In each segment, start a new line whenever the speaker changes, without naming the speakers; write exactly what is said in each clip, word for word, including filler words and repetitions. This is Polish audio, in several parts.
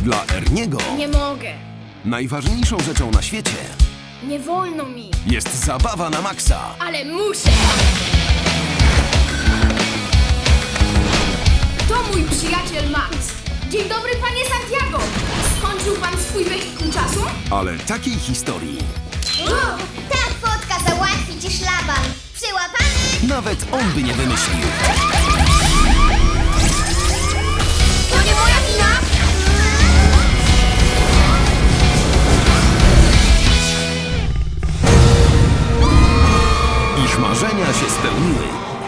Dla Erniego
Nie mogę.
najważniejszą rzeczą na świecie
Nie wolno mi.
jest zabawa na maksa.
Ale muszę. To mój przyjaciel Max. Dzień dobry, panie Santiago. Skończył pan swój wehikuł czasu?
Ale takiej historii
Ta fotka załatwi ci szlaban. Przyłapany?
nawet on by nie wymyślił.
To nie moja wina.
Ich marzenia się spełniły.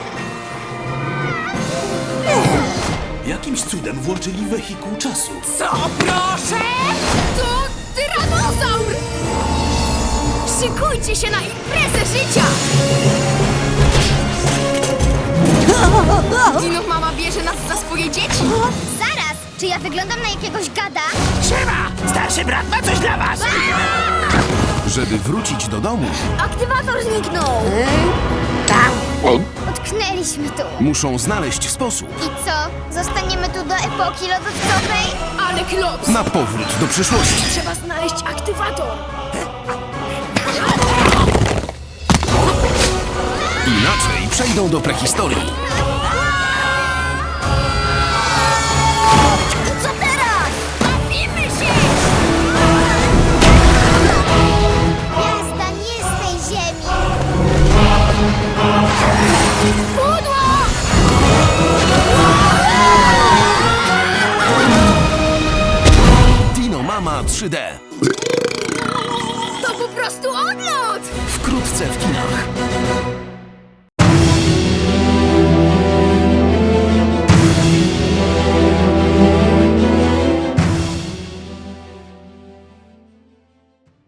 Jakimś cudem włączyli wehikuł czasu.
Co, proszę? To tyranozaur! Szykujcie się na imprezę życia! Dino mama bierze nas za swoje dzieci.
Zaraz, czy ja wyglądam na jakiegoś gada?
Siema! Starszy brat ma coś dla was!
Żeby wrócić do domu,
Aktywator zniknął. Utknęliśmy tu.
muszą znaleźć sposób
I co? Zostaniemy tu do epoki lodowcowej?
Ale klops!
na powrót do przyszłości.
Trzeba znaleźć aktywator.
Inaczej przejdą do prehistorii.
Co teraz?
Bawimy się!
Gwiazda nie z tej ziemi.
Pudło!
Dino Mama trzy D.
To po prostu odlot!
Wkrótce w kinach.